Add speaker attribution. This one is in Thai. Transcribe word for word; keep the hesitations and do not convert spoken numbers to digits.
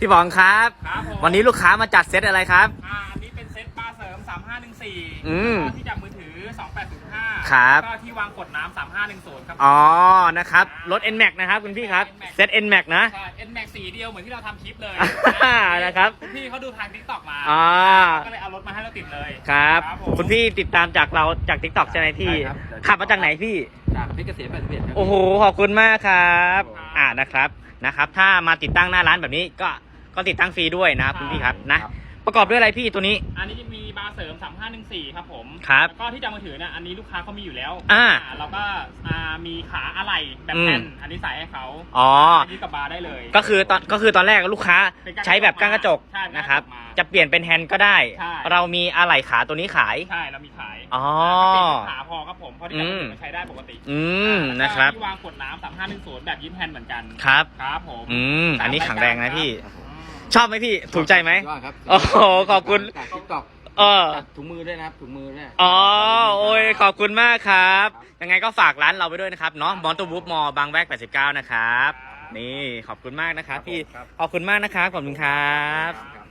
Speaker 1: พี่บองครับ
Speaker 2: ครับผม
Speaker 1: วันนี้ลูกค้ามาจัดเซตอะไรครับ
Speaker 2: อ่าอันนี้เป็นเซตบาร์เสริมสามห้าหนึ่งสี่
Speaker 1: อืม
Speaker 2: แล้วก็ที่จับมือถือสองแปดศูนย์ห้า
Speaker 1: ครับ
Speaker 2: แล้วก็ที่วางกดน้ำสามห้าหนึ่งศูนย์ครับ
Speaker 1: อ๋อนะครับรถ เอ็น แม็กซ์ นะครับคุณพี่ครับเซต เอ็น แม็กซ์ นะ
Speaker 2: ใช่ N Max สีเดียวเหมือนที่เราทำคลิปเลย
Speaker 1: อ่านะครับ
Speaker 2: คุณพี่เขาดูทาง TikTok มา
Speaker 1: อ๋อ
Speaker 2: ก็เลยเอารถมาให้เราติดเลย
Speaker 1: ครับ
Speaker 2: ผม
Speaker 1: คุณพี่ติดตามจากเราจาก TikTok ใช่ไหมพี่
Speaker 3: ใช่ครับ
Speaker 1: ขับมาจากไหนพี่
Speaker 3: จากเพชรเกษมแปดสิบเอ็ดครับ
Speaker 1: โอ้โหขอบคุณมากครับ
Speaker 2: ครับ
Speaker 1: อ่านะครับนะครับ ถ้ามาติดตั้งหน้าร้านแบบนี้ก็ก็ติดตั้งฟรีด้วยนะครับคุณพี่ครับนะ ประกอบด้วยอะไรพี่ตัวนี้
Speaker 2: อันนี้จะมีบาร์เสริมสามห้าหนึ่งสี่ครับผม
Speaker 1: ครับ
Speaker 2: แล้วก็ที่จับมือถือเนี่ยอันนี้ลูกค้าเขามีอยู่แล้ว
Speaker 1: อ่า
Speaker 2: แล้วก็อ่ามีขาอะไหล่แบบ
Speaker 1: อืม
Speaker 2: แผ่นอันนี้ใส่ให้เขา
Speaker 1: อ๋อ
Speaker 2: นนี้กับบาร์ได้เลย
Speaker 1: ก็คือตอนก็คือตอนแรกลูกค้า
Speaker 2: เป็นก้าน
Speaker 1: ใช้แบบก้านกระจก
Speaker 2: ใช่เป็นก้านกระจก
Speaker 1: นะครับ
Speaker 2: มา
Speaker 1: จะเปลี่ยนเป็นแฮนด์ก็ได้
Speaker 2: ใช่
Speaker 1: เรามีอะไหล่ขาตัวนี้ขาย
Speaker 2: ใช่เรามีขาย
Speaker 1: อ๋อ
Speaker 2: ก็เป็นขาพอครับผมเพราะที่จับมือถือมันใช้ได้ปกติ
Speaker 1: อืม
Speaker 2: แล้วก็
Speaker 1: นะครับ
Speaker 2: ที่วางกดน้ำสามห้าหนึ่งศูนย์แบบยิ้มแฮนด์เหมือนกัน
Speaker 1: ครับ
Speaker 2: ครับผม
Speaker 1: อืมอันนี้แข็งแรงนะพี่
Speaker 2: ครับผม
Speaker 1: ชอบไหมพี่ถูกใจไหม
Speaker 3: สุดยอดครับ
Speaker 1: โอ้โหขอบคุณ
Speaker 3: จากทิกตอก
Speaker 1: เออ
Speaker 3: จัดถุงมือด้วยนะครับถุงมือด้วย
Speaker 1: อ๋อโอ้ยขอบคุณมากครับ ยังไงก็ฝากร้านเราไปด้วยนะครับเนาะมอนตูบูฟมอบางแวกแปดสิบเก้านะครับ นี่ขอบคุณมากนะครับพี่
Speaker 3: ครับ
Speaker 1: ขอบคุณมากนะครับขอบคุณครับ
Speaker 3: ครับ